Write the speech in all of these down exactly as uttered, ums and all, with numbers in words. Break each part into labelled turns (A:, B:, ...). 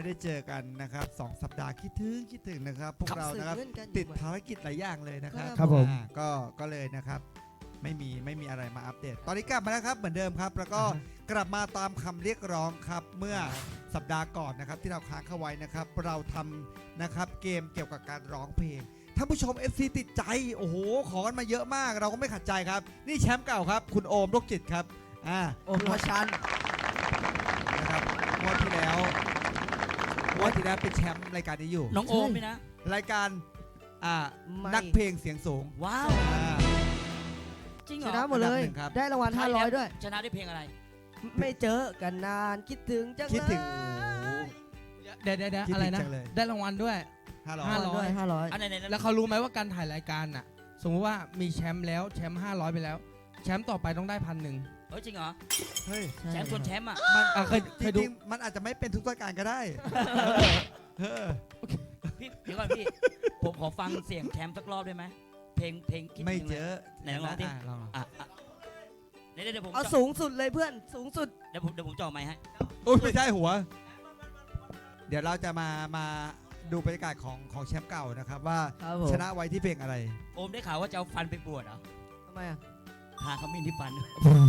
A: ได้เจอกันนะครับสองสัปดาห์คิดถึงคิดถึงนะครับพวกเรานะครับติดภารกิจหลายอย่างเลยนะครับ
B: ครับผม
A: อ่าก็ก็เลยนะครับไม่มีไม่มีอะไรมาอัปเดต ตอนนี้กลับมาแล้วครับเหมือนเดิมครับ แล้วก็กลับมาตามคำเรียกร้องครับเมื่อสัปดาห์ก่อนนะครับที่เราค้างเข้าไว้นะครับเราทำนะครับเกมเกี่ยวกับการร้องเพลงท่านผู้ชม เอฟ ซี ติดใจโอ้โหขอกันมาเยอะมากเราก็ไม่ขัดใจครับนี่แชมป์เก่าครับคุณโอมโรคจิตครับอ่า
B: โอมชัน
A: นะครับงวดที่แล้วงวดที่แล้วเป็นแชมป์รายการนี้อยู่
C: น้องโอมไหมนะ
A: รายการอ่า
B: ไม่
A: นักเพลงเสียงสูง
C: ว้าว
A: อ่า
C: จริงเห
B: ช
C: รอ
B: นะหมดเลย
A: อันดับหนึ่งครับ
B: ได้รางวัลห้าร้อยด้วย
C: ชนะได้เพลงอะไร
B: ไม่เจอกันนานคิดถึงจังเลย
A: คิดถึง
D: เดี๋ยวเดี๋ยวเดี๋ยว
A: คิด
D: อะไร
A: ถึง
D: นะ
A: จังเลย
D: ได้รางวัลด้วย
A: ห้าร้อย
D: ห้าร้อย
B: ด้วยห้าร้อย
C: อันไหนไหน
D: แล้วเขารู้ไหมว่าการถ่ายรายการน่ะ สมมติว่ามีแชมป์แล้วแชมป์ห้าร้อยไปแล้ว แชมป์ต่อไปต้องได้พันหนึ่ง
C: เฮ้ยจริงเหรอ
A: เฮ้ย
C: แชมป์ชนแชมป์อ่ะ
A: มัน
D: อ่ะเคย
A: จ
D: เคยดู
A: ริงๆมันอาจจะไม่เป็นทุกรายการก็ได้เออ
C: พี่เดี๋ยวก่อนพี่ ผมขอฟังเสียงแชมป์สักรอบได้ไหมเพลงเพลงคิด
A: ไม่
C: ถึง
A: เจ
C: ลย
A: อ
C: ไหนลองร้องดิ
D: อ่ะลอง
C: อ่ะอ่ะเดี๋ยวเดี๋ยวผม
B: เอา
C: จะ
B: สูงสุดเลยเพื่อนสูงสุด
C: เดี๋ยวผมเดี๋ยวผมจ่อไมค์ให้
A: โอ้ยไม่ใช่หัว เดี๋ยวเราจะมามาดูบรรยากาศของของแชมป์เก่านะครับว่า
B: ครับผม
A: ชนะไว้ที่เพลงอะไร
C: โอมได้ข่าวว่าจะเอาฟันไปบวชเหรอ
B: ทำไมอ่ะ
C: ทาขมิ้นที่ฟัน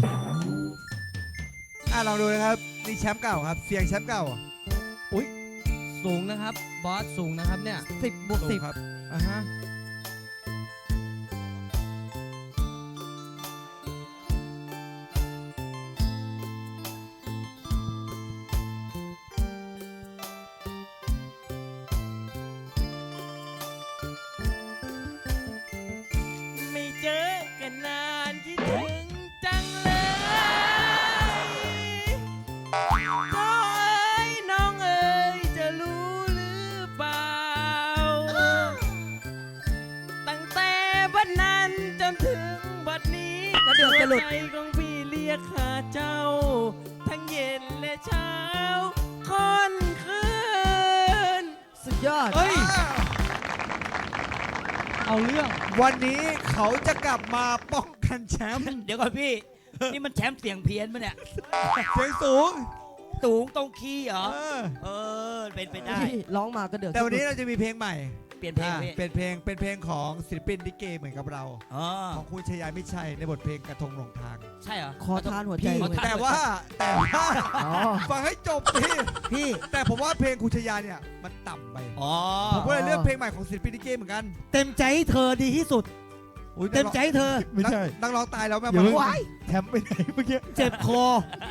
A: อ่ะลองดูนะครับนี่แชมป์เก่าครับเสียงแชมป์เก่า
D: สูงนะครับ บอสสูงนะครับเนี่ย
B: สิบบวกสิบ
A: ครับ
D: อ่ะฮะ
E: ไม่เจอกันนานคิดถึงจังเลยน้องเอ๋ยน้องเอ๋ยจะรู้หรือเปล่า ตั้งแต่บัดนั้นจนถึงบัดนี้
B: กระเดือกกระหลุด
E: หัวใจของพี่เรียกหาเจ้า ทั้งเย็นและเช้าค่อนคืน
B: สุดยอด
D: เฮ้ย เอาเรื่อง
A: วันนี้เขาจะกลับมาป้องกันแชมป์
C: เดี๋ยวก่อนพี่ นี่มันแชมป์เสียงเพี้ยนปะเนี่ย
A: เสียงสูง
C: สูงตรงคีย์เหรอ
A: เออ
C: เออ เป็นไปได้
B: ร้องมากระเดือก
A: แต่วันนี้เราจะมีเพลงใหม่
C: เปลี่ยนเพลง
A: อ่า
C: พี่
A: เป็นเพลงเป็นเพลงของศิลปินลิเกเหมือนกับเรา
C: อ๋อ
A: ของคุณชยามิตรชัยในบทเพลงกระทงหลงทาง
C: ใช่เหรอ
B: ขอทานหัวใจ
C: พี่
B: เลย
A: แต่ว่าแต่ว่า
B: อ๋อ
A: ฟังให้จบพี่
B: พี่
A: แต่ผมว่าเพลงคุณชยาเนี่ยมันต่ำไป
C: อ๋อ
A: ผมก็เลยเลือกเพลงใหม่ของศิลปินลิเกเหมือนกัน
F: เต็มใจให้เธอดีที่สุด
A: อุ๊ย
F: เต็มใจให้เธอ
A: นักนักร้องตายแล้วแม่
F: อย่าเพิ่ง
A: ว้าย
F: แถมไปไหนเมื่อกี้ เจ็บคอ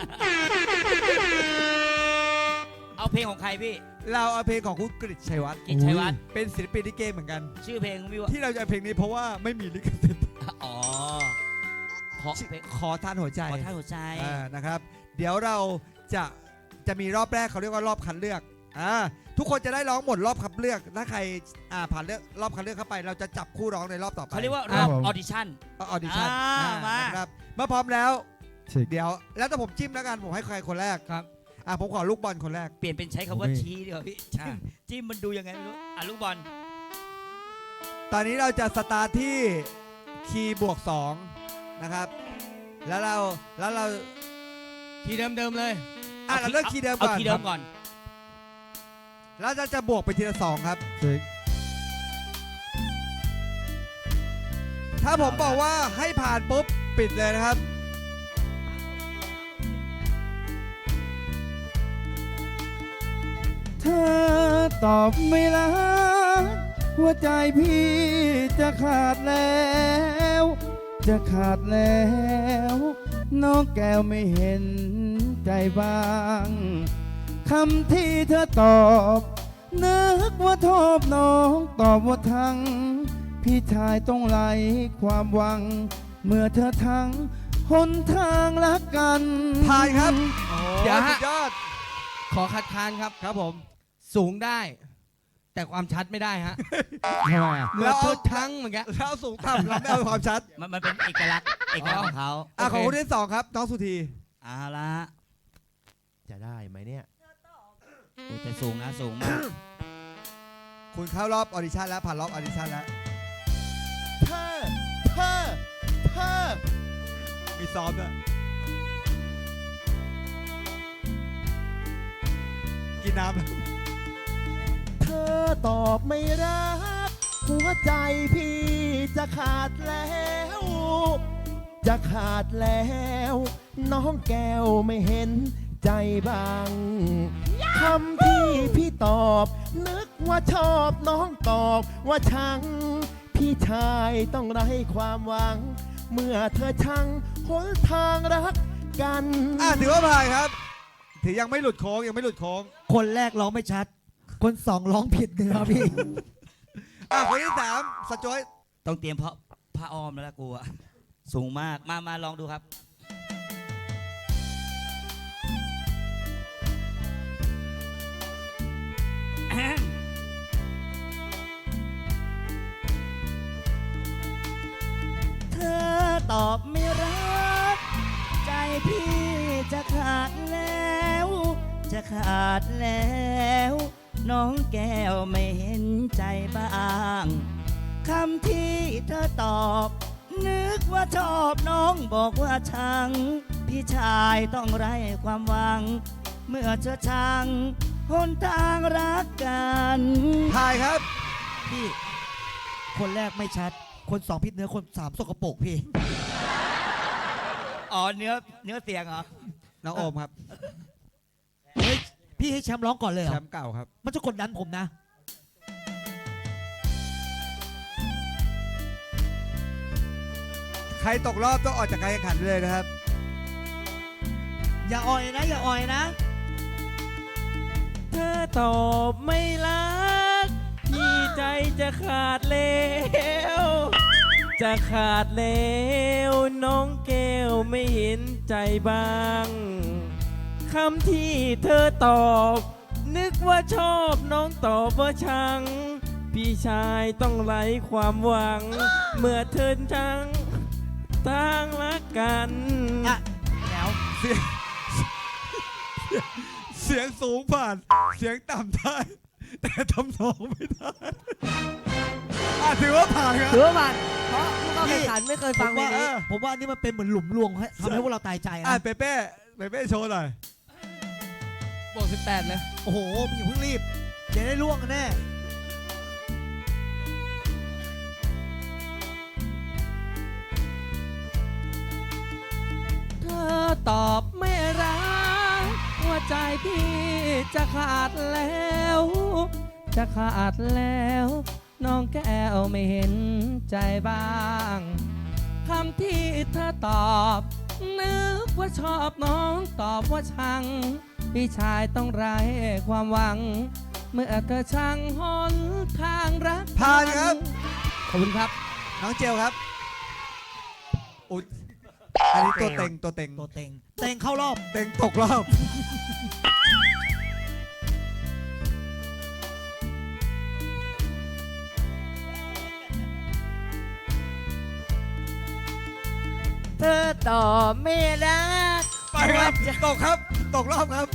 C: เอาเพลงของใครพี่
A: เราเอาเพลงของคุณกฤษชัยวัฒน์
C: กิจชัยวัฒน์
A: เป็นศิลปินลิเกเหมือนกัน
C: ชื่อเพลงพี่ว่า
A: ที่เราจะเอาเพลงนี้เพราะว่าไม่มีลิขสิทธิ์
C: อ๋อ ขอเพลง
A: ขอทานหัวใจ
C: ขอท่าหัวใจ
A: อ่านะครับ เดี๋ยวเราจะจะมีรอบแรกเขาเรียกว่ารอบคัดเลือกอ่าทุกคนจะได้ร้องหมดรอบคัดเลือก ถ้าใครอ่าผ่านเลือกรอบคัดเลือกเข้าไป เราจะจับคู่ร้องในรอบต่อไป
C: เขาเรียกว่ารอบออดิชั่น
A: ออดิชั่น
C: อ่ามา
A: นะครับเมื่อพร้อมแล้ว
F: เช็ค
A: เดี๋ยวแล้วแต่ผมจิ้มแล้วกันผมให้ใครคนแรก
D: ครับ
A: อ่าผมขอลูกบอลคนแรก
C: เปลี่ยนเป็นใช้คำว่า
F: โอเค
C: ชี้ดีกว่าพี่ จิ้มจิ้มมันดูยังไงไม่รู้ อ่ะลูกบอล
A: ตอนนี้เราจะสตาร์ทที่คีย์บวกสองนะครับ แล้วเราแล้วเรา
D: ทีเดิมๆเลย
A: อ่ะเราเลือกคีย์เดิม
C: เอา
A: ก่อน
C: คีย์เดิมก่อน
A: แล้วจะจะบวกไปทีละสองครับ
F: เช็ค
A: ถ้าผมบอกว่าให้ผ่านปุ๊บปิดเลยนะครับ
F: เธอตอบไม่ละหัวใจพี่จะขาดแล้ว จะขาดแล้ว น้องแก้วไม่เห็นใจบ้างคำที่เธอตอบนึกว่าทอบน้องตอบว่าทั้ง พี่ชายต้องไหลความหวัง เมื่อเธอทั้งหนทางรักกัน
A: ผ่านครับ
D: เดี๋ยวฮะ
A: สุดยอด
D: ขอคัดค้านครับ
A: ครับผม
D: สูงได้ แต่ความชัดไม่ได้ฮะ
F: ทำไมอ่ะ
D: เหมือนตัวทั้งเหมือนกัน
A: แล้วสูงต่ำเราไม่เอาความชัด
C: มันมันเป็นเอกลักษณ์ เอกลักษณ์ของเขา
A: อ่ะ
D: โอเค
A: ของคนที่สองครับน้องสุธี
C: เอาละ
F: จะได้ไหมเนี่ย
C: โอ้แต่สูงนะสูงมาก
A: คุณเข้ารอบออดิชั่นแล้วผ่านรอบออดิชั่นแล้ว
F: เธอเธอเธอ
A: มีซ้อมด้วยกินน้ำ
E: อตอบไม่รัก หัวใจพี่จะขาดแล้ว จะขาดแล้ว น้องแก้วไม่เห็นใจบ้างคำที่พี่ตอบ นึกว่าชอบน้องตอบว่าชัง พี่ชายต้องไร้ความหวัง เมื่อเธอชังหนทางรักกัน
A: อ่ะถือว่าผ่านครับ ถือยังไม่หลุดโค้งยังไม่หลุดโค้ง
B: คนแรกร้องไม่ชัด คนสองร้องผิดเนื้อพี่
A: อ่ะคนที่สามสจอย
C: ต้องเตรียมเพราะผ้าอ้อมแล้วล่ะกูอะสูงมากมามาลองดูครับ เธอตอบไม่รัก ใจพี่จะขาดแล้ว จะขาดแล้ว น้องแก้วไม่เห็นใจบ้างคำที่เธอตอบ นึกว่าชอบน้องบอกว่าชัง พี่ชายต้องไร้ความหวัง เมื่อเธอชังหนทางรักกัน
A: ถ่ายครับ
B: พี่ คนแรกไม่ชัด คนสองผิดเนื้อ คนสามสกปรกพี่
C: อ๋อเนื้อเนื้อเสียงเหรอ
A: น้องโอมครับ
B: เฮ้ย พี่ให้แชมป์ร้องก่อนเลยเหร
A: แช
B: อ
A: มป์เก่าครับ
B: มันจะกดดันผมนะ
A: ใครตกรอบต้องออกจากการแข่งขันเลยนะครับ
B: อย่าอ่อยนะ อย่าอ่อยนะ
E: เธอตอบไม่รัก พี่ใจจะขาดแล้ว จะขาดแล้วน้องแก้วไม่เห็นใจบ้างคำที่เธอตอบ นึกว่าชอบน้องตอบว่าชัง พี่ชายต้องไร้ความหวัง เมื่อเธอชังตั้งรักกัน
B: อ่ะ แล้ว
A: เสียงเสียงสูงผ่าน เสียงต่ำได้ แต่ทำนองไม่ได้อ่ะถือว่าผ่านครับ
B: ถือว่ามันเพราะผู้เข้าแข่งขันไม่เคยฟัง
A: ผม
B: เพล
A: ว่าง
B: นี้
A: เออ
B: ผมว่าอันนี่มันเป็นเหมือนหลุมรวงให้ทำให้พวกเราตายใจ
A: อ่ะ
B: นะ
A: เปเป้เปเป้โชว์หน่อย
D: บวกสิบแปดเลย
B: โอ้โหอย่าเพิ่งรีบ เดี๋ยวได้ล่วงกันแน่
D: เธอตอบไม่รัก หัวใจพี่จะขาดแล้ว จะขาดแล้ว น้องแก้วไม่เห็นใจบ้างคำที่เธอตอบ นึกว่าชอบน้องตอบว่าชัง พี่ชายต้องไร้ความหวัง เมื่อเธอชังหนทางรัก
A: ผ่านครับ
D: ขอบคุณครับ
A: น้องเจลครับอุ๊ยอันนี้ตัวเต็งตัวเต็ง
B: ตัวเต็ง เต็งเข้ารอบ
A: เต็งตกรอบ
C: เธอตอบไม่รัก
A: ไปครับตกครับ ตกรอบครับ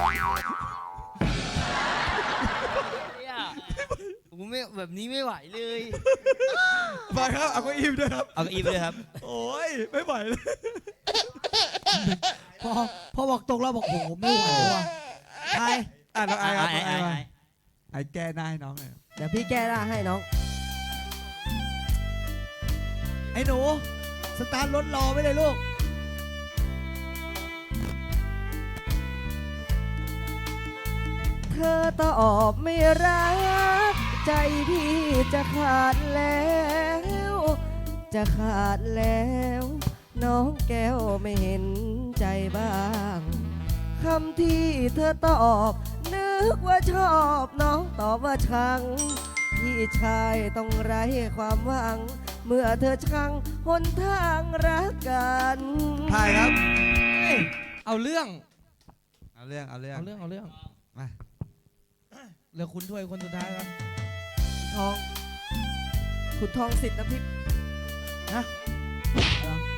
C: กูไม่แบบนี้ไม่ไหวเลย
A: ไปครับเอาเก็อิ่มด้วยครับ
C: เอาอีไปเลยครับ
A: โอ้ยไม่ไหวเลย
B: พอพอบอกตกรอบบอกโอ้โหไม่ไหวว่ะใคร
A: อ่ะน้องไอ้ครับ
C: ไอ้
A: น้อง
C: ไอ้
A: ไอ้มา
C: ไอ้
A: ไอ้แก้หน้าให้น้องหน่อย
B: เดี๋ยวพี่แก้หน้าให้น้อง ไอ้หนู สตาร์ทรถรอไว้เลยลูก เธอตอบไม่รัก ใจพี่จะขาดแล้ว จะขาดแล้ว น้องแก้วไม่เห็นใจบ้างคำที่เธอตอบ นึกว่าชอบน้องตอบว่าชัง พี่ชายต้องไร้ความหวัง เมื่อเธอชังหนทางรักกัน
A: ถ่ายครับ
D: เอาเรื่อง
A: เอาเรื่องเอาเรื่อง
D: เอาเรื่อง เอาเรื่อง
A: มา
D: เหลือคุณถ้วยคนสุดท้ายครับ
B: ทอง ขุนทองสิทธิ์น้ำทิพย์นะเหรอ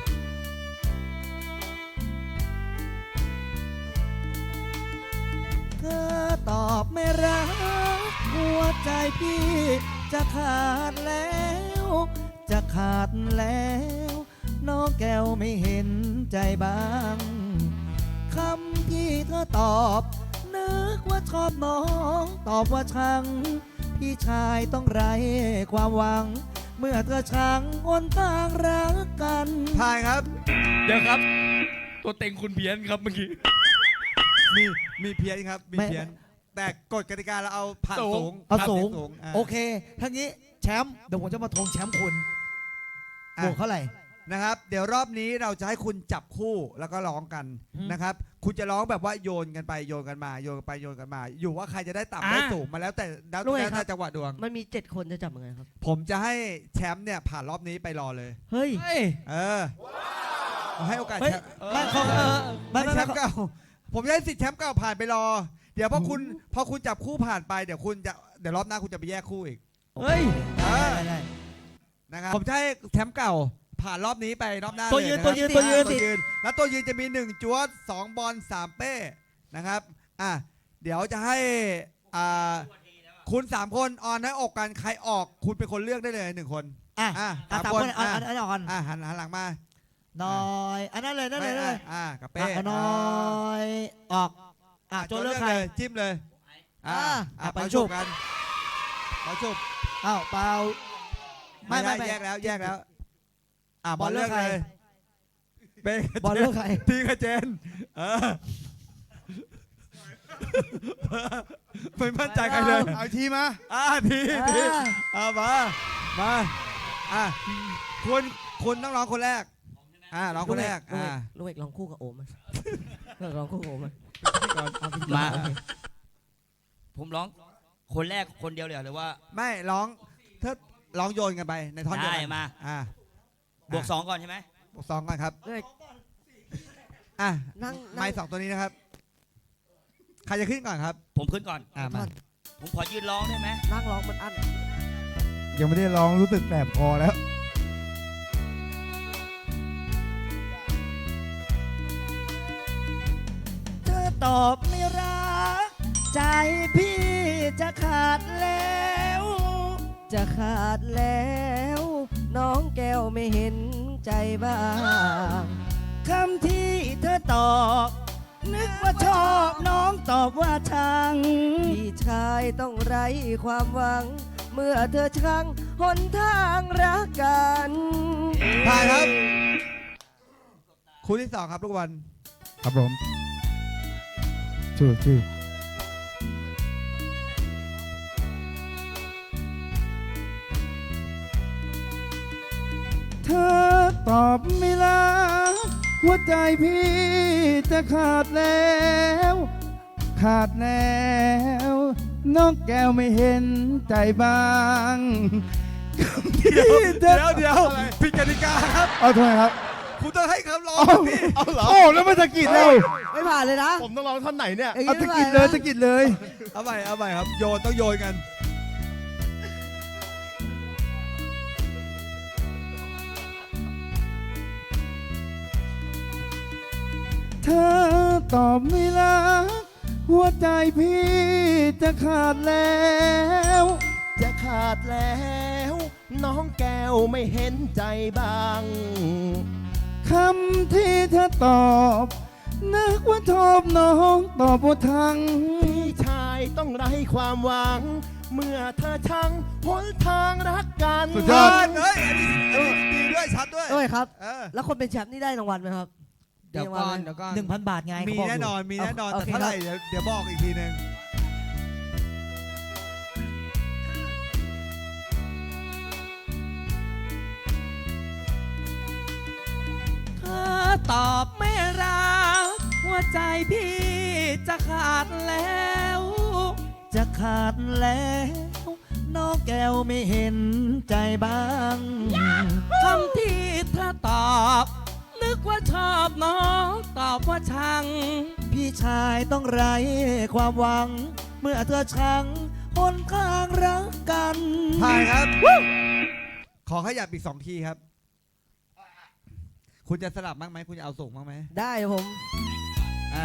B: เธอตอบไม่รัก หัวใจพี่จะขาดแล้ว จะขาดแล้ว น้องแก้วไม่เห็นใจบ้างคำที่เธอตอบ นึกว่าชอบน้องตอบว่าชัง
C: พี่ชายต้องไร้ความหวัง เมื่อเธอช้างอนทางรักกัน
A: ผ่านครับ
E: เดี๋ยวครับ ตัวเต็งคุณเพี้ยนครับเมื่อกี้
A: มีมีเพี้ยนครับมี
C: ไม่
A: เพี้ยนแต่กฎกติกาเราเอาผ่าน
E: สูง
A: สูง
C: เอา
A: ผ่น
C: สูง
A: สูงอ่ะ
C: โอเคทั้งนี้แชมป์เดี๋ยวผมจะมาทวงแชมป์คุณ
A: อ่ะ
C: บวกเท่าไหร่
A: นะครับ เดี๋ยวรอบนี้เราจะให้คุณจับคู่แล้วก็ร้องกัน
C: อืม
A: นะครับ คุณจะร้องแบบว่าโยนกันไปโยนกันมาโยนกันไปโยนกันมา อยู่ว่าใครจะได้ต่ำได้
E: อ่ะ
A: สูงมาแล้วแต่แล้ว
B: รู้ไหม
A: แล้ว
B: ครั
A: แต่
B: บ
A: จังหวะดวง
B: มันมีเจ็ดคนจะจับยังไงครับ
A: ผมจะให้แชมป์เนี่ยผ่านรอบนี้ไปรอเลย
B: เฮ้ย
E: เฮ้ย
A: เออเอาให้โอกาส
C: เฮ้ย
A: แชมป์
C: ไม่เขา
E: เออ
C: ไม่
A: ให้
C: ไม่
A: แช
C: ไม่
A: มป์เก่า ผมจะให้สิทธิ์แชมป์เก่าผ่านไปรอ เดี๋ยวพอคุณพอคุณจับคู่ผ่านไปเดี๋ยวคุณจะเดี๋ยวรอบหน้าคุณจะไปแยกคู่อีก
E: เฮ้ย
A: เออ
C: ได้ได้
A: นะครับผมจะให้แชมป์เก่าผ่านรอบนี้ไปรอบหน้า
C: ตัวยืน
A: เล
C: ตัวยืน
A: ะครับ
C: ตัวยืน
A: อ่ะตัวยืน แล้วตัวยืนจะมีหนึ่งจวดสองบอลสามเป้นะครับอ่ะเดี๋ยวจะให้อ่าคุณสามคนออนให้อกกันใครออก คุณเป็นคนเลือกได้เลยหนึ่งคน
C: อ่ะ
A: อ่ะ
C: อ่ะ
A: สาม
C: สาม
A: คน
C: คนอัน
A: อ่ะ
C: อันอันอ่อน
A: อ่ะหันหันหลังมา
C: น้อยอันนั้นเลยนั่นเลยนั่นเลย
A: อ่ะกับเป้
C: อ่ะน้อยออกอ่ะโจเลือกใคร
A: เลยจิ้มเลยอ่ะ
C: อ่ะ
A: อ่ะ
C: ไป
A: เป่า
C: ชุ
A: ชุ
C: บ
A: บกันเป่าชุบ
C: อ้าวเปล่า
A: ไม่
C: ไม่
A: ไม่
C: ไม่
A: แยกแล้วแยกแล้วอ่ะบบ อ
C: อ
A: ล
C: ล
A: เลื
C: เลื
A: อ
C: อก กใคร
A: เลยเป้กับบ
C: อลเลือกใคร
A: ทีกับเจนเออไม่มั่นใจใครเลย
F: เอาอีกทีมา
A: อ่ะทีทีอ่ะมามาอ่ะคุณคุณต้องร้องคนแรกอ่ะร้องคนแรก
B: ลูก
A: อ่ะ
B: เอกลูกเอกลองคู่กับโอมไหมลูกเอกลองคู่กับโอมไหม
E: มา ผมร้องคนแรกคนเดียวเลยเหรอหรือว่า
A: ไม่ร้องเธอร้องโยนกันไปในท่อนเดียว
E: ได้
A: กัน
E: มา
A: อ่ะ
E: บวกสองก่อนใช่ไหม
A: บวกสองก่อนครับ
B: ลูกเอก
A: อ่ะ
B: นั่ง
A: ไม้สองตัวนี้นะครับใครจะขึ้นก่อนครับ
E: ผมขึ้นก่อน
A: อ่ะมา
E: ผมขอยืนร้องได้ไหม
B: นั่งร้องมันอัน
F: ยังไม่ได้ร้องรู้สึกแสบคอแล้ว
C: เธอตอบไม่รัก ใจพี่จะขาดแล้ว
B: จะขาดแล้ว น้องแก้วไม่เห็นใจบ้าง
C: คำที่เธอตอบ นึกว่าชอบน้องตอบว่าชัง
B: พี่ชายต้องไร้ความหวัง เมื่อเธอช่างหนทางรักกัน
A: ผ่านครับคู่ที่สองครับลูกบอล
F: ครับผมชื่อชื่อเธอตอบไม่รักหัวใจพี่จะขาดแล้ว ขาดแล้ว น้องแก้วไม่เห็นใจบ้างคำที่
A: เดี๋ยว
F: เธอ
A: เดี๋ยวผิดกติกาครับ
F: เอาทำไมครับ
A: คุณต้องให้คำร้อง
F: เอา
A: พี่
F: เอาเหรอโอ้แล้วไม่สะกิดเรา
B: ไม่ผ่านเลยนะ
G: ผมต้องร้องท่อนไหนเนี่ย
B: อย่าง
F: เอา
B: นี้
F: สะ
B: ไม่
F: กิด
B: ผ่าน
F: เลย
B: นะ
F: สะกิดเลย
A: เอาใหม่เอาใหม่ครับโยนต้องโยนกัน
F: เธอตอบไม่รักหัวใจพี่จะขาดแล้ว
G: จะขาดแล้ว น้องแก้วไม่เห็นใจบ้าง
F: คำที่เธอตอบนึกว่าชอบน้องตอบว่าทัง
G: พี่ชายต้องไร้ความหวัง เมื่อเธอชังหนทางรักกัน
F: สุดยอด
A: เฮ้ยอันนี้อันนี้ดีด้วยชัดด้วย
B: ด้วยครับ
A: เออ
B: แล้วคนเป็นแชมป์นี่ได้รางวัลไหมครับ
D: เดี๋ยวก่อนเดี๋ยวก่อน
C: หนึ่งพันบาทไง
A: มี
C: เขาบกยู่
A: แน่นอนมีแน่นอน
B: โอ
A: แต่
B: เค
A: เท่าไหร่เดี๋ยวเดี๋ยวบอกอีกทีหนึ่ง
D: เธอตอบไม่รัก หัวใจพี่จะขาดแล้ว
C: จะขาดแล้ว น้องแก้วไม่เห็นใจบ้าง
D: คำที่เธอตอบ นึกว่าชอบน้องตอบว่าชัง
C: พี่ชายต้องไร้ความหวัง เมื่อเธอชังหนทางรักกัน
A: ผ่านครับ ขอขยับอีกสองทีครับ คุณจะสลับบ้างไหมคุณจะเอาสูงบ้างไหม
B: ได้ผม
A: อ่า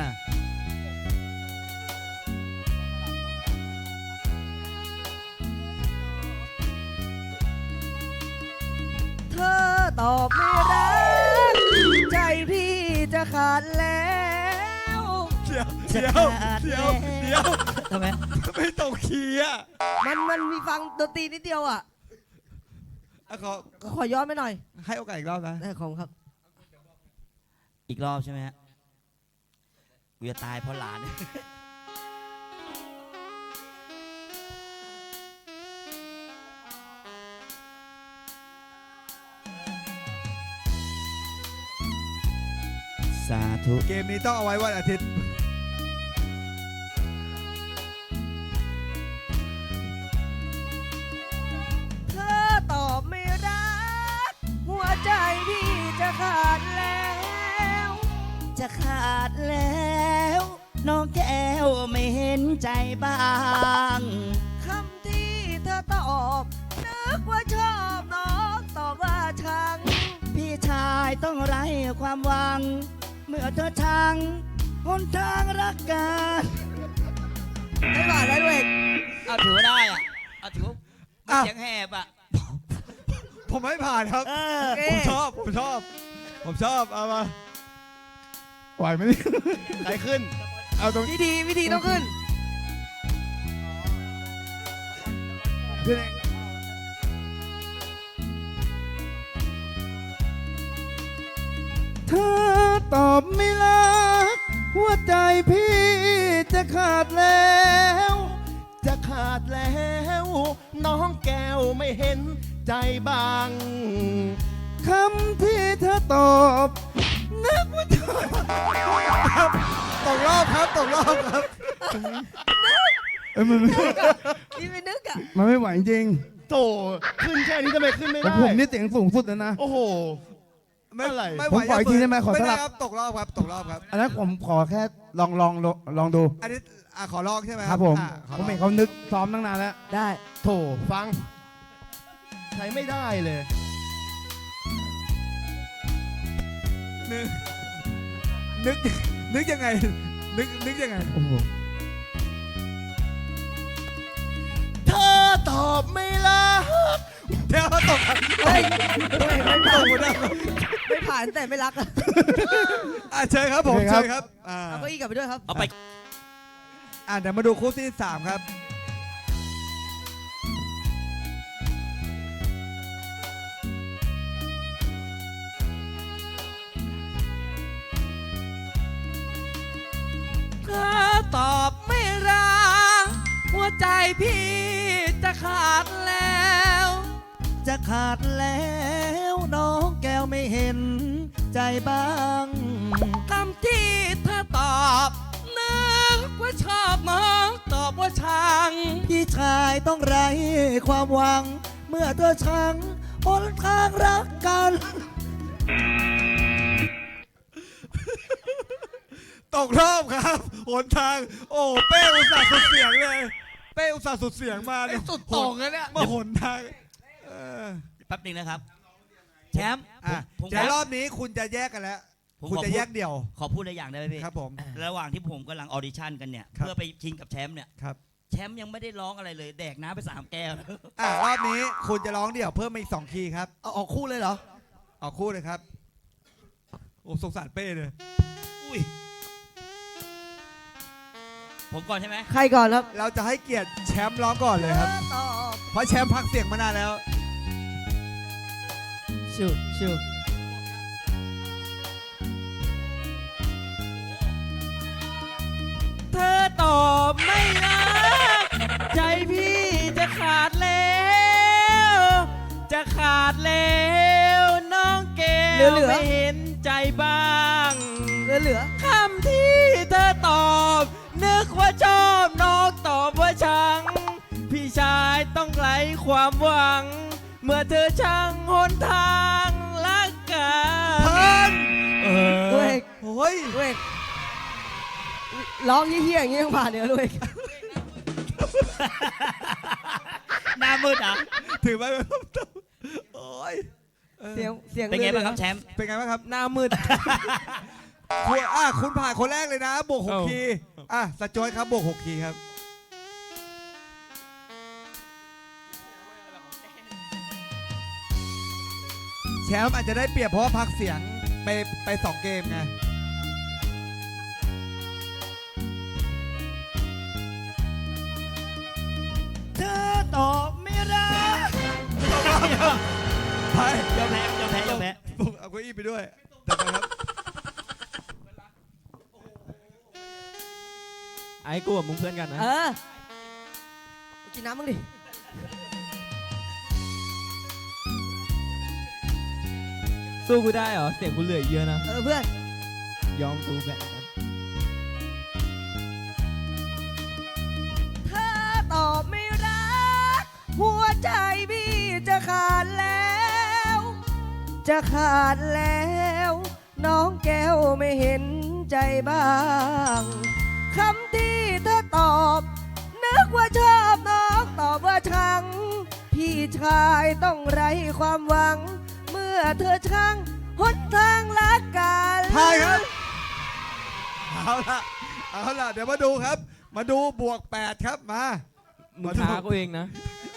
B: เธอตอบไม่รัก ใจพี่จะขาดแล้ว
A: เเดี๋ยว
C: จะ
A: เดี๋ยว
C: ขาด
A: เดี๋ยว
C: แล้ว
A: เดี๋ยว
C: ทำไม
A: ไม่ตรงคีย์อ่ะ
B: มันมันมีฟังดนตรีนิดเดียวอ่ะ
A: อ่ะขอ
B: ก็ขอย้อนไปหน่อย
A: ให้โอกาสอีกรอบนะ
B: ได้ของครับ
C: อีกรอบใช่ไหมฮะกูจะตายเพราะหลาน สาธุ
A: เกมนี้ต้องเอาไว้วันอาทิตย์
B: เธอตอบไม่รัก หัวใจพี่จะขาดแล้ว
C: จะขาดแล้ว น้องแก้วไม่เห็นใจบ้าง
B: คำที่เธอตอบนึกว่าชอบน้องตอบว่าชัง
C: พี่ชายต้องไร้ความหวัง เมื่อเธอชังหนทางรักกัน
B: ไม่หวานแล้วด้วย
C: เอาถือว่าได้อ่ะเอาถือว่า
A: อ่ะ
C: เสียงแหบอ่ะ
A: ผมไม่ผ่านครับ
C: เออ
B: โอเค
A: ผมชอบ ผมชอบ ผมชอบ เอามา
F: ไหวไหมเนี่ย
G: ใครขึ้น
F: เอาตรง
B: วิธีวิธีต้องขึ้น
F: ขึ้นเองเธอตอบไม่รัก หัวใจพี่จะขาดแล้ว
G: จะขาดแล้ว น้องแก้วไม่เห็นใจบ้าง
F: คำที่เธอตอบนึกว่าเธอ
A: ตกรอบครับ ตกรอบครับ
F: เอ้ยมันไม่
B: นี่ไม่นึกอ่ะ
F: มันไม่ไหวจริง
G: โถขึ้นแค่นี้ทำไมขึ้นไม่
F: แต่
G: ได้
F: ผมนี่เสียงสูงสุดแล้วนะ
G: โอ้โห
A: ไม่
G: อะไร
A: ไม่ไห
F: ผ
A: ว
F: มขออีกทีได้ไหมขอ
A: ไม่
F: สลั
A: ได้
F: บ
A: ครับ ตกรอบครับ ตกรอบครับ
F: อันนั้นผมขอแค่ลองลองลองลองดู
A: อันนี้อ่ะขอลองใช่ไหม
F: ครับผม
A: อ่ะขอ
F: ผม
A: ล
F: เห็
A: อน ง
F: เขานึกซ้อมตั้งนานแล้ว
B: ได้
G: โถฟัง ใช้ไม่ได้เลย
A: นึก นึก นึกยังไง นึก นึกยังไง
F: โอ้โห
G: เธอตอบไม่รัก
A: เดี๋ยวตกครับ
B: เฮ้ยด้วยไม่
A: ต
B: ผ่าก น
A: หมดแล้ว
B: ไม่ผ่านแต่ไม่รักอะ
A: อ่ะเชิญครับผม เชิญครับ อ่า
B: เอาเก้าอี้กลับไปด้วยครับ
C: เอาไป
A: อ่ะเดี๋ยวมาดูคู่ที่สามครับ
D: เธอตอบไม่รัก หัวใจพี่จะขาดแล้ว
C: จะขาดแล้วน้องแก้วไม่เห็นใจบ้าง
D: คำที่เธอตอบนึกว่าชอบน้องตอบว่าชัง
C: พี่ชายต้องไร้ความหวัง เมื่อเธอชังหนทางรักกัน
A: ตกรอบครับหนทาง โอ้ เป้อุตส่าห์สุดเสียงเลย เป้อุตส่าห์สุดเสียงมาเนี่ยสุดตรงเลยเนี่ยมาหนทางเออ
C: แป๊บหนึงนะครับ แชมป์
A: อ่ะ
C: ผม
A: เดี๋ยว
C: ข
A: ร
C: อ
A: อบนี้คุณจะแยกกันแล้ว
C: ผม
A: คุณ
C: ขอ
A: จะ
C: พูด
A: แยกเดี่ยว
C: ขอพูดอะไรอย่างได้ไหมพี่
A: ครับผม
C: ระหว่างที่ผมกำลังออดิชั่นกันเนี่ย
A: ครับ
C: เพื่อไปชิงกับแชมป์เนี่ย
A: ครับ
C: แชมป์ยังไม่ได้ร้องอะไรเลย แดกน้ำไปสามแก้ว
A: อ่ะรอบนี้คุณจะร้องเดี่ยวเพิ่มมาอีกสองคีย์ครับ
B: เอาออกคู่เลยเหรอ
A: ออกคู่เลยครับ โอ้สงสารเป้เลย
C: อุ้ย ผมก่อนใช่ไหม
B: ใครก่อนครับ
A: เราจะให้เกียรติแชมป์ร้องก่อนเลยครับ
B: เธอตอบ
A: เพราะแชมป์พักเสียงมานานแล้ว
D: ชิวชิว
E: เธอตอบไม่รัก ใจพี่จะขาดแล้ว จะขาดแล้ว น้องแก้วไม่เห็นใจบ้าง
B: เหลือเหลือ
E: คำที่เธอตอบ นึกว่าชอบน้องตอบว่าชัง พี่ชายต้องไร้ความหวัง เมื่อเธอช่างหนทางรักกัน
A: เพิ่น
E: เอ
B: ด้ว
E: อย
A: โอ้ย
B: ด้วยร้องเฮี้ยๆอย่างนี้ยังผ่านเดี๋ยวด้วย
C: หน้ามืดอ่ะ
A: ถือไว้แบบโอ้ยออ
B: เสียงเสียง
C: เป็นไงบ้างครับ
B: หลือ
C: แชมป์
A: เป็นไงบ้างครับ
E: หน้ามืด
A: คุณอ่ะคุณผ่านคนแรกเลยนะ บวกหก
E: เอ้า
A: คีย์อ่ะสจอยครับบวกหกคีย์ครับ แชมป์อาจจะได้เปรียบเพราะว่าพักเสียงไปไปสองเกมไงเก้าอี้ไปด้วยจัดไปครับ
E: ไอ้กูกับมึงเพื่อนกันนะ
B: เออกินน้ำมั้งดิ
E: สู้กูได้เหรอ เสียงกูเหลือเยอะนะ
B: เออเพื่อน
E: ยอมกูแบบนั้น
B: เธอตอบไม่รัก หัวใจพี่จะขาดแล้ว จะขาดแล้ว น้องแก้วไม่เห็นใจบ้างคำที่เธอตอบนึกว่าชอบน้องตอบว่าชัง พี่ชายต้องไร้ความหวัง เมื่อเธอชังหนทางรักกัน
A: ทายครับ เอาละเอาละเดี๋ยวมาดูครับ มาดูบวกแปดครับมา
E: มึงท้ากูเองนะ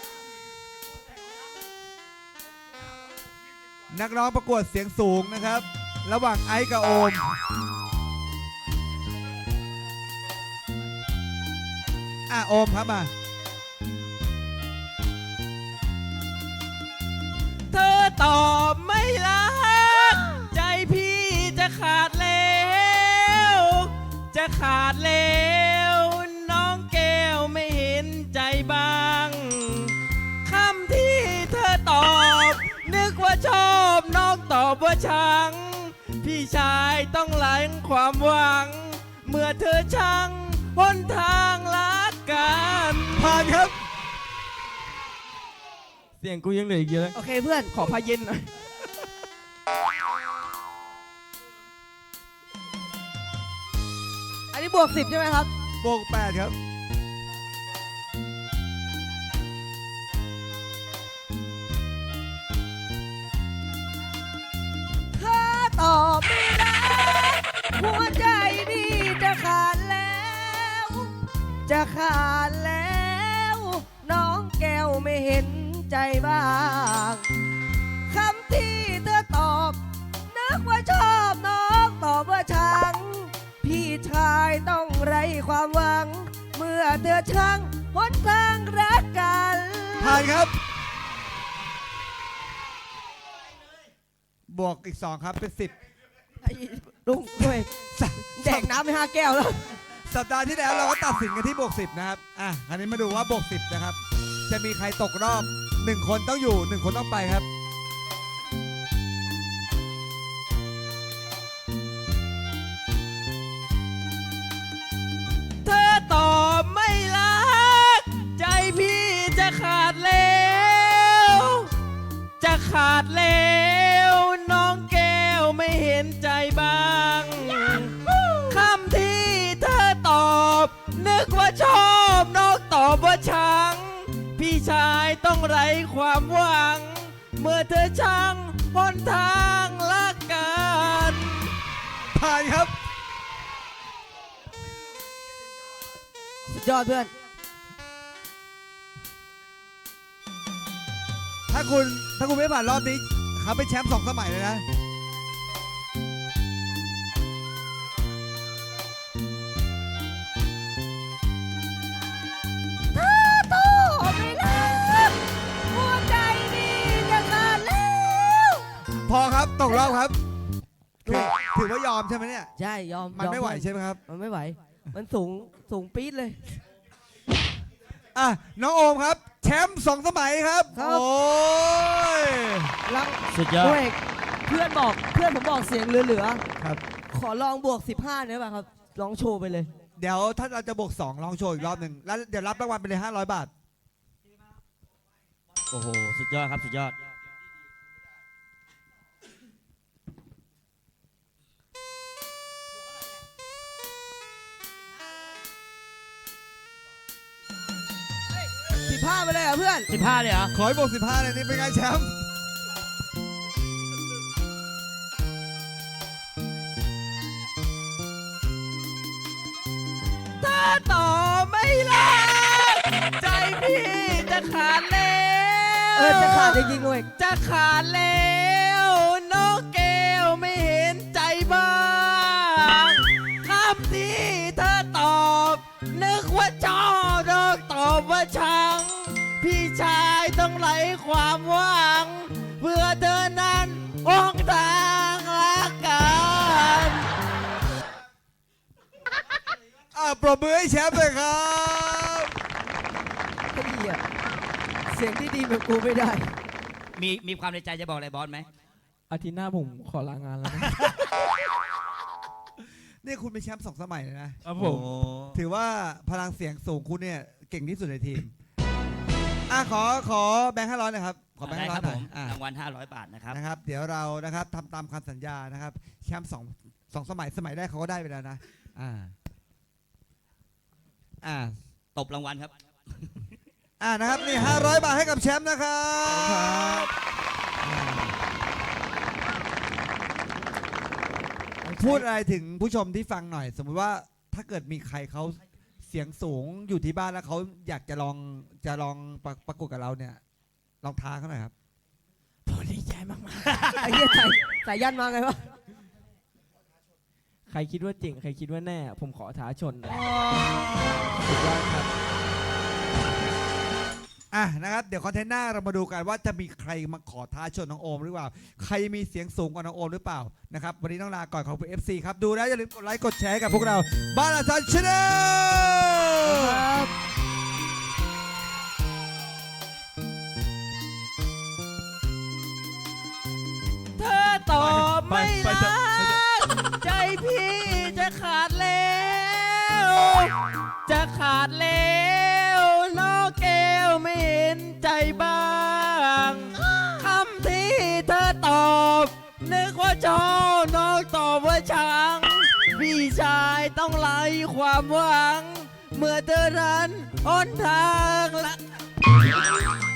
A: นักร้องประกวดเสียงสูงนะครับ ระหว่างไอซ์กับโอม อ่ะโอมครับมา
E: เธอตอบไม่รัก ใจพี่จะขาดแล้ว จะขาดแล้ว น้องแก้วไม่เห็นใจบ้างคำที่เธอตอบ นึกว่าชอบน้องตอบว่าชัง พี่ชายต้องหลังความหวัง เมื่อเธอชังหนทางรักกัน
A: ผ่านครับ
E: เสียงกูยังเหลืออีกเยอะ
B: โอเคเพื่อน
E: ขอพาเย็นหน่อย
B: อันนี้บวกสิบใช่ไหมครับ
A: บวกแปดครับ
B: เธอตอบไม่รัก หัวใจพี่จะขาดแล้ว จะขาดแล้ว น้องแก้วไม่เห็นใจบ้างคำที่เธอตอบนึกว่าชอบน้องตอบว่าชัง พี่ชายต้องไร้ความหวัง เมื่อเธอชังหนทางรักกัน
A: ผ่านครับ บวกอีกสองครับเป็นสิบ
B: ไอ้ลุงด้วยแดกน้ำไปห้าแก้วแล้ว
A: สัปดาห์ที่แล้วเราก็ตัดสินกันที่บวกสิบนะครับ อ่ะคราวนี้มาดูว่าบวกสิบนะครับ จะมีใครตกรอบหนึ่งคนต้องอยู่หนึ่งคนต้องไปครับ
E: เธอตอบไม่รัก ใจพี่จะขาดแล้ว จะขาดแล้ว น้องแก้วไม่เห็นใจบ้างคำที่เธอตอบ นึกว่าชอบน้องตอบว่าชัง พี่ชายต้องไร้ความหวัง เมื่อเธอชังหนทางรักกัน
A: ผ่านครับ
B: สุดยอดเพื่อน
A: ถ้าคุณถ้าคุณไม่ผ่านรอบนี้เขาเป็นแชมป์สองสมัยเลยนะ
B: โตไม่รัก หัวใจนี่จะขาดแล้ว
A: พอครับตกรอบครับถือถือว่ายอมใช่ไหมเนี่ย
B: ใช่ยอม
A: มัน
B: ยอ
A: ไม่ไหวใช่ไหมครับ
B: มันไม่ไหว มันสูงสูงปี๊ดเลย
A: อ่ะน้องโอมครับ แชมป์สองสมัยครับ
B: ครับ
A: โอ้ย
B: ลัง
E: สุดยอด
B: เว้ยเพื่อนบอกเพื่อนผมบอกเสียงเหลือ
A: ครับ
B: ๆ ขอลองบวกสิบห้าเนี่ยป่ะครับ ลองโชว์ไปเลย
A: เดี๋ยวถ้าเราจะบวกสองลองโชว์อีกรอบหนึ่งแล้วเดี๋ยวรับรางวัลไปเลยห้าร้อยบาท
E: โอ้โห สุดยอดครับ สุดยอด
B: สิบห้าไปเลยเหรอเพื่อน
E: สิบห้าเลยเหรอ
A: ขอให้บวกสิบห้าเลยนี่เป็นไงแชมป์
E: ถ้าต่อไม่รัก ใจพี่จะขาดแล้ว
B: เออ จะขาดจริงๆเว้ย
E: จะขาดแล้ว น้องแก้วไม่เห็นใจบ้างคำที่เธอตอบ นึกว่าชอบน้องตอบว่าชัง พี่ชายต้องไร้ความหวัง เพื่อเธอนั้นออกทาง
A: อ่ะปรบมือให้แชมป์เลยครับ
B: ไอ้เหี้ยเสียงที่ดีแบบกูไม่ได้
C: มีมีความในใจจะบอกอะไรบอสไหม
D: อาทิตย์หน้าผมขอลางานแล้วนะ
A: นี่คุณเป็นแชมป์สองสมัยเลยนะ
D: ครับผม
A: ถือว่าพลังเสียงสูงคุณเนี่ยเก่งที่สุดในทีม อ่ะขอขอแบงค์ห้าร้อยนะครับ ขอแบงค์
C: ได้
A: ห้าร้
C: ค
A: อ
C: รั
A: ย
C: บ
A: หน่อยอ่ะ
C: ผมรางวัลห้าร้อยบาทนะครับ
A: นะครับ เดี๋ยวเรานะครับทำตามคำสัญญานะครับ แชมป์สองสองสมัยสมัยแรกเขาก็ได้ไปแล้วนะ อ่า อ่า
C: ตบรางวัลครับ
A: อ่านะครับนี่ห้าร้อยบาทให้กับแชมป์นะครับพูดอะไรถึงผู้ชมที่ฟังหน่อย สมมุติว่าถ้าเกิดมีใครเขาเสียงสูงอยู่ที่บ้านแล้วเขาอยากจะลองจะลองประประกวดกับเราเนี่ย ลองท้าเขาหน่อยครับ
D: ผมดีใจมาก
B: ไอ้เหี้ยใส่ใส่ยันมาไงวะ
D: ๆ ใครคิดว่าจริง ใครคิดว่าแน่ ผมขอท้าชนหน่อย
A: สุดยอดครับ อ่ะนะครับ เดี๋ยวคอนเทนต์หน้าเรามาดูกันว่าจะมีใครมาขอท้าชนน้องโอมหรือเปล่า ใครมีเสียงสูงกว่าน้องโอมหรือเปล่านะครับ วันนี้ต้องลาก่อนขอบคุณ เอฟ ซี ครับ ดูแล้วอย่าลืมกดไลค์กดแชร์ให้กับพวกเราบ้านอาจารย์ชาแนล
C: เธอตอบไม่
G: ไป
C: รั
G: ไปเถอะ
C: กใจพี่จะขาดแล้ว จะขาดแล้วน้องแก้วไม่เห็นใจบ้างคำที่เธอตอบนึกว่าชอบน้องตอบว่าชังพี่ชายต้องไล่ความหวัง เมื่อเธอนั้นอ้นทางละ